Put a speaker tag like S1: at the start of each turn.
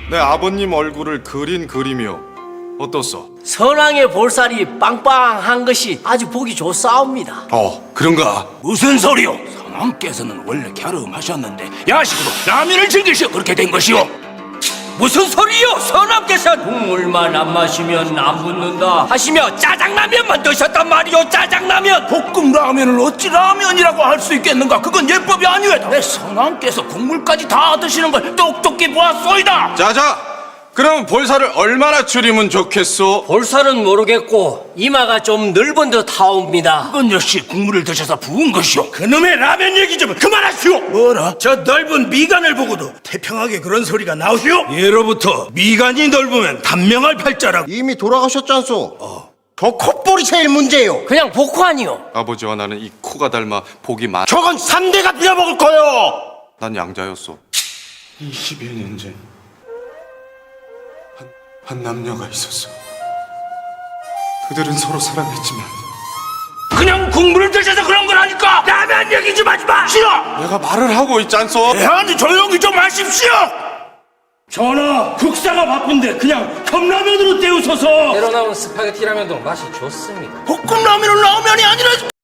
S1: 내 아버님 얼굴을 그린 그림이요. 어떻소?
S2: 선왕의 볼살이 빵빵한 것이 아주 보기 좋사옵니다.
S1: 그런가?
S3: 무슨 소리요? 선왕께서는 원래 갸름하셨는데 야식으로 라면을 즐기셔 그렇게 된 것이오.
S2: 무슨 소리요? 선왕께서 국물만 안 마시면 안 붙는다 하시며 짜장라면만 드셨단 말이오. 짜장라면.
S3: 볶음 라면을 어찌 라면이라고 할 수 있겠는가? 그건 예법이 아니외다. 내 선왕께서 국물까지 다 드시는 걸 똑똑히 보았소이다.
S1: 자자! 그럼 볼살을 얼마나 줄이면 좋겠소?
S2: 볼살은 모르겠고 이마가 좀 넓은 듯 하옵니다.
S3: 그건 역시 국물을 드셔서 부은 것이오. 그놈의 라면 얘기 좀 그만하시오. 뭐라? 저 넓은 미간을 보고도 태평하게 그런 소리가 나오시오? 예로부터 미간이 넓으면 단명할 팔자라고.
S4: 이미 돌아가셨잖소. 저 콧볼이 제일 문제요.
S2: 그냥 복환이요.
S1: 아버지와 나는 이 코가 닮아 복이 많...
S4: 저건 3대가 빌어먹을 거요.
S1: 난 양자였소. 21년 전 한 남녀가 있었어. 그들은 서로 사랑했지만
S3: 그냥 국물을 드셔서 그런 거라니까. 라면 얘기 좀 하지 마. 싫어.
S1: 내가 말을 하고 있잖소.
S3: 아니 조용히 좀 하십시오. 전하, 국사가 바쁜데 그냥 컵라면으로 때우소서.
S2: 새로 나온 스파게티 라면도 맛이 좋습니다.
S3: 볶음 라면은 라면이 아니라